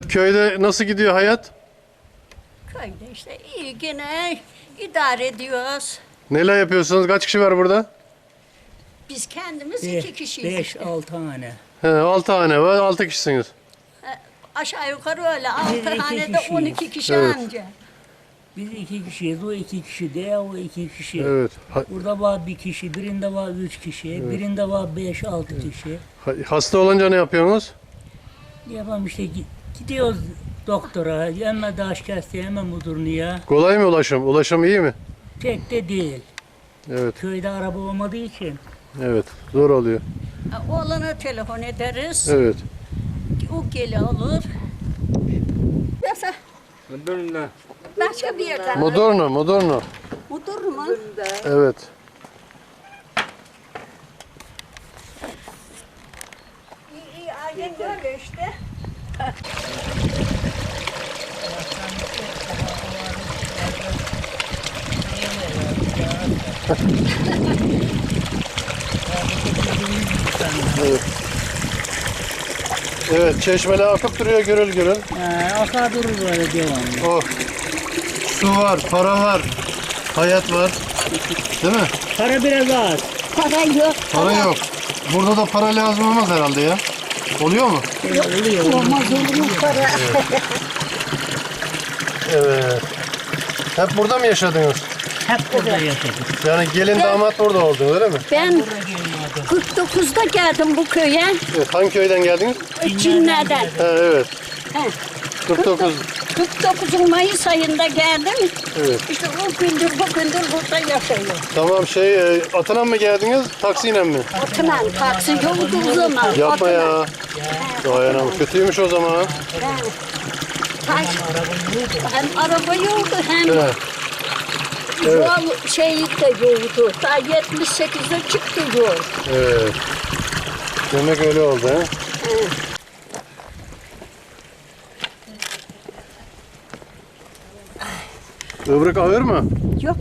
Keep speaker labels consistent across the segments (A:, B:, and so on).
A: köyde nasıl gidiyor hayat?
B: Köyde işte iyi gene idare ediyoruz.
A: Neler yapıyorsunuz? Kaç kişi var burada?
B: Biz kendimiz iki kişiyiz.
C: 5-6 tane.
A: He, 6 hane var, 6 kişisiniz.
B: Aşağı yukarı öyle.
C: Biz
B: 6
C: iki
B: hanede
C: kişiyiz.
B: 12 kişi
A: Evet.
B: anca.
C: Biz 2 kişiyiz. O 2 kişi de o 2 kişi.
A: Evet.
C: Burada var bir kişi, birinde var 3 kişi, birinde var 5-6 kişi.
A: Hasta olunca ne yapıyorsunuz?
C: Yapalım işte gidiyoruz doktora, hemen daş kestiğe, hemen mudurnuya.
A: Kolay mı ulaşım? Ulaşım iyi mi?
C: Pek de değil.
A: Evet,
C: Köyde araba olmadığı için.
A: evet. Zor oluyor.
B: Oğlana telefon ederiz.
A: Evet.
B: O geli alır. Yasa başka bir yerden.
A: Moderno, Moderno.
B: Mudur mu?
A: Evet.
B: İyi, aynen böyle işte.
A: Evet. Evet, çeşmeler akıp duruyor gürül gürül.
C: Akar durur böyle devamlı.
A: Oh. Su var, para var, hayat var. Değil mi?
C: Para biraz az.
B: Para yok.
A: Para yok. Burada da para lazım olmaz herhalde ya. Oluyor mu?
C: Oluyor.
B: Olmaz olur mu para?
A: Evet. Hep burada mı yaşadınız?
C: Hep burada yaşadık.
A: Yani gelin damat burada oldu öyle mi?
B: Ben
C: Burada geliyordu.
B: 49'da geldim bu köye.
A: Evet, hangi köyden geldiniz?
B: Cinlerden.
A: Ha, evet.
B: He.
A: 49.
B: 49 Mayıs ayında geldim.
A: Evet.
B: İşte o gündür bugündür burada yaşıyorum.
A: Tamam Atınan mı geldiniz, taksiyle mi?
B: Atınan taksi yoktu o zaman.
A: Yapma
B: Atınan.
A: ya. Dayanam. Kötüymüş o zaman.
B: He. Hem araba yoktu hem
A: Evet. Evet.
B: yol şeyi de yoktu. Daha 78'de çıktı yol.
A: Evet. Demek öyle oldu ha. Ibrık ağır mı?
B: Yok.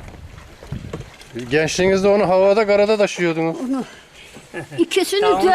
A: Gençliğinizde onu havada karada taşıyordunuz.
B: İkisini
C: Tamam,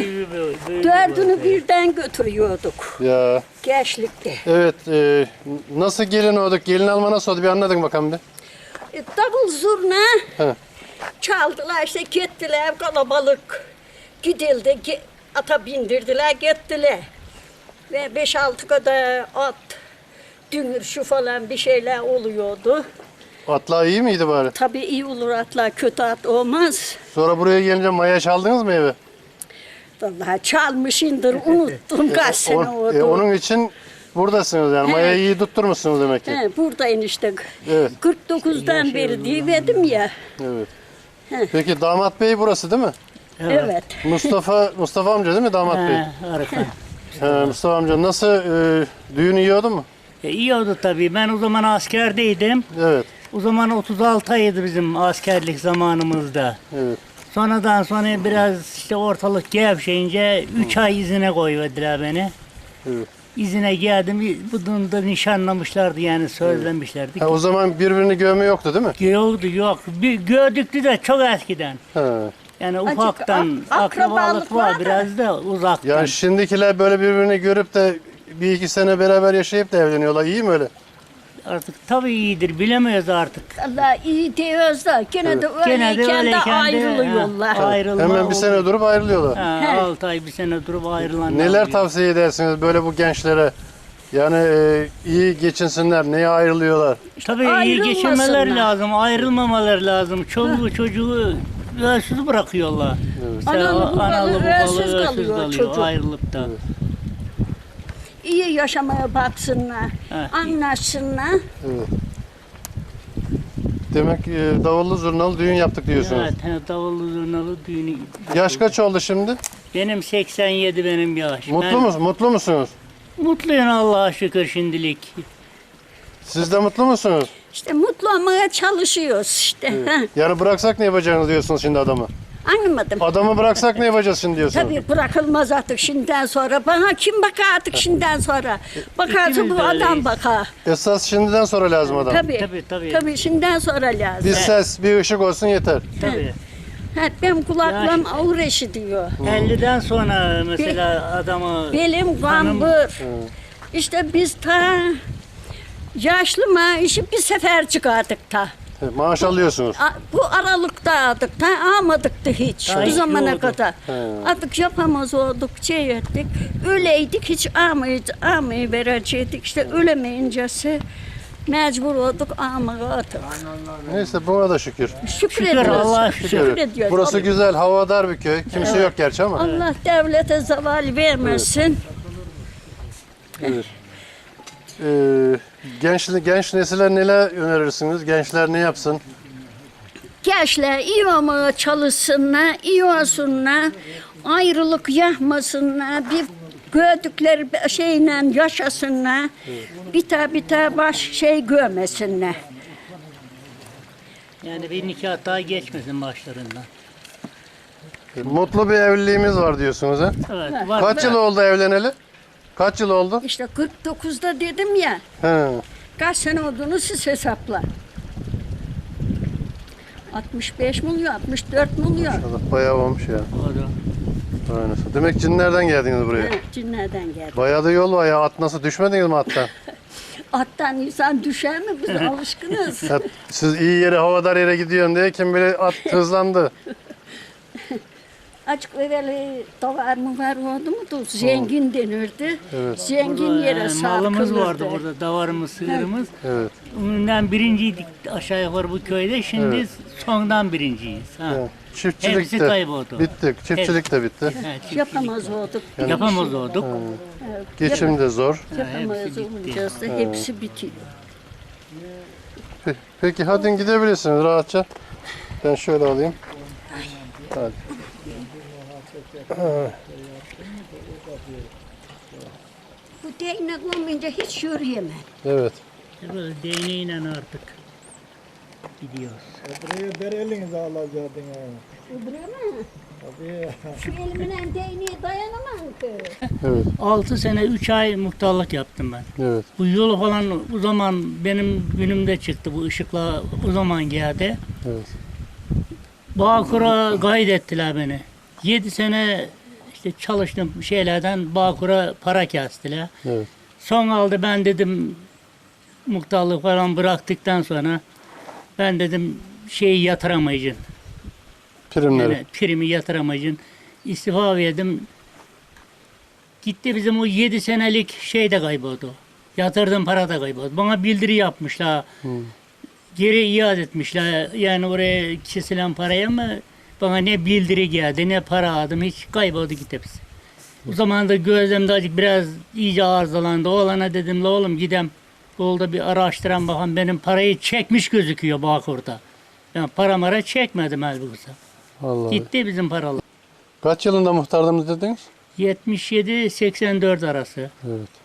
B: dördünü birden götürüyorduk.
A: Ya.
B: Gençlikte.
A: Evet. Nasıl gelin olduk? Gelin alma nasıl oldu? Bir anladın bakalım bir.
B: Davul zurna
A: He.
B: çaldılar işte gittiler kalabalık. Gidildi ata bindirdiler gittiler. Ve 5-6 kadar at, dünür şu falan bir şeyler oluyordu.
A: Atlar iyi miydi bari?
B: Tabii iyi olur atlar, kötü at olmaz.
A: Sonra buraya gelince maya çaldınız mı eve?
B: Vallahi çalmışındır, unuttum kaç sene oldu.
A: Onun için buradasınız yani. Mayayı iyi tutturmuşsunuz demek ki.
B: He, buradayım işte.
A: Evet.
B: 49'dan beri diyemedim ya.
A: Evet. Peki damat bey burası değil mi?
B: Evet.
A: Mustafa amca değil mi damat bey?
C: Harika.
A: Mustafa amca nasıl düğün yiyordu mu?
C: İyi oldu tabii. Ben o zaman askerdeydim.
A: Evet.
C: O zaman 36 aydı bizim askerlik zamanımızda.
A: Evet.
C: Sonradan sonra biraz işte ortalık gevşeyince 3 ay izine koyverdiler beni.
A: Evet.
C: İzine geldim. Bunu da nişanlamışlardı yani sözlemişlerdi.
A: Ha, o zaman birbirini görme yoktu değil mi?
C: Yoktu yok. Bir gördüktü de çok eskiden.
A: Ha.
C: Yani
B: Acık
C: ufaktan
B: akrabalık
C: akrabalık
B: var
C: var
B: da.
C: biraz da uzaktan.
A: Yani şimdikiler böyle birbirini görüp de bir iki sene beraber yaşayıp da evleniyorlar. İyi mi öyle?
C: Artık tabii iyidir bilemiyoruz artık.
B: Allah iyi diyoruz da gene de
C: Gene de
B: öyleyken de
C: öyleyken de,
B: ayrılıyorlar.
C: ha, ayrılma
A: Hemen bir sene
C: oldu.
A: durup ayrılıyorlar.
C: Ha, 6 ay bir sene durup ayrılan.
A: Neler tavsiye edersiniz böyle bu gençlere? Yani iyi geçinsinler. Neye ayrılıyorlar?
C: Tabii iyi
B: Ayrılmasınlar.
C: geçinmeleri lazım, ayrılmamaları lazım. Çoluğu çocuğu ölsüz bırakıyorlar.
B: Analı babalı ölsüz kalıyor çocuk.
C: Ayrılıp da.
B: İyi yaşamaya baksınlar,
C: Ha.
B: anlaşsınlar.
A: Evet. Demek davullu zurnalı düğün yaptık diyorsunuz.
C: Evet, davullu zurnalı düğünü.
A: Yaş kaç oldu şimdi?
C: Benim 87 benim yaş.
A: Mutlu musunuz?
C: Mutluyum Allah'a şükür şimdilik.
A: Siz de mutlu musunuz?
B: İşte mutlu olmaya çalışıyoruz işte. Ha,
A: Yani bıraksak ne yapacaksınız diyorsunuz şimdi adamı?
B: anlamadım.
A: Adamı bıraksak ne yapacağız şimdi diyorsunuz?
B: Tabii bırakılmaz artık şimdiden sonra. Bana kim bakar artık şimdiden sonra? Bakarsa
C: İkimiz
B: bu
C: de
B: adam
C: öyleyiz.
B: bakar.
A: Esas şimdiden sonra lazım adam.
B: Tabii.
C: Tabii.
B: Tabii şimdiden sonra lazım.
A: Bir ses, bir ışık olsun yeter.
C: Tabii.
B: Ha, benim kulaklığım ağır eşi diyor.
C: 50'den sonra mesela adamı
B: Belim
C: hanım-
B: gambur. İşte biz ta yaşlı maaşı bir sefer çıkardık ta.
A: Maaş alıyorsunuz.
B: Bu aralıkta aldık ta almadık da hiç
C: Ta
B: bu
C: hiç
B: zamana
C: yoktu.
B: kadar. Artık yapamaz olduk, şey ettik. Öleydik hiç almayı verecektik. İşte ölemeyincesi mecbur olduk almaya artık.
A: Neyse buna da şükür.
B: Şükür ediyoruz.
C: Allah'a şükür.
B: Şükür ediyoruz.
A: Burası güzel, havadar bir köy. Kimse yok gerçi ama.
B: Allah devlete zeval vermesin.
A: Evet. Genç nesile neler önerirsiniz? Gençler ne yapsın?
B: Gençler iyi olmaya çalışsınlar, iyi olsunlar, ayrılık yapmasınlar, bir gördükleri bir şeyle yaşasınlar, biter baş şey görmesinler.
C: Yani bir nikah daha geçmesin başlarından.
A: Mutlu bir evliliğimiz var diyorsunuz ha?
C: Evet. Var.
A: Kaç yıl oldu evleneli? Kaç yıl oldu?
B: İşte 49'da dedim ya,
A: He.
B: kaç sene olduğunu siz hesapla. 65 milyon, 64 milyon.
A: Allah bayağı olmuş ya.
C: O da.
A: Aynen. Demek cinlerden geldiniz buraya.
B: Evet, cinlerden geldi.
A: Bayağı da yol var ya. At nasıl düşmediniz mi attan?
B: Attan insan düşer mi? Biz alışkınız.
A: Ya, siz iyi yere, havadar yere gidiyorsun diye kim bilir at hızlandı.
B: Açık evveli davar mı var oldu mu da zengin denirdi.
A: Evet.
B: Zengin yere
C: Yani malımız
B: sarkılırdı.
C: vardı burada, davarımız, sığırımız.
A: Evet.
C: Ondan birinciydik aşağı yukarı bu köyde. Şimdi
A: Evet.
C: sondan birinciyiz. Ha.
A: Evet. Çiftçilik
C: Hepsi
A: de
C: kayboldu.
A: bitti. Çiftçilik de bitti.
C: Ha, çiftçilik.
B: Yapamaz olduk.
C: Yapamaz olduk.
A: Geçim de zor.
B: Yapamaz
C: hepsi bitti.
B: olacağız da hepsi bitiyor.
A: Peki hadi gidebilirsiniz rahatça. Ben şöyle alayım. Hadi.
B: Bu değnek olmayınca hiç yürüyemem.
A: Evet.
C: Böyle değneğiyle artık gidiyoruz.
D: Buraya der elinize alacaktın ha.
B: Öbürü mü?
D: Tabii.
B: Şu elimle değneğe dayanamam ki.
A: Evet.
C: 6 sene 3 ay muhtarlık yaptım ben.
A: Evet.
C: Bu yolu falan o zaman benim günümde çıktı bu ışıkla o zaman geldi.
A: Evet.
C: Bağkur'a kaydettiler beni. 7 sene işte çalıştım şeylerden Bağkur'a para kestiler.
A: Evet.
C: Son aldı ben dedim muhtarlık falan bıraktıktan sonra ben dedim şeyi yatıramayacağım.
A: Primleri.
C: Yani primi yatıramayacağım. İstifa verdim. Gitti bizim o 7 senelik şey de kayboldu. Yatırdığım para da kayboldu. Bana bildiri yapmışlar. Geri iade etmişler. Yani oraya kesilen paraya mı bana ne bildiri geldi ne para aldım. Hiç kayboldu gitti hepsi. O zaman da gözlemde acık biraz iyice arızalandı. Oğlana dedim la oğlum gidem. Yolda bir araştıran bakalım benim parayı çekmiş gözüküyor Bağkur'da. Ben para mara çekmedim halbuki.
A: Vallahi.
C: Gitti bizim paralar.
A: Kaç yılında muhtardınız dediniz?
C: 77-84 arası.
A: Evet.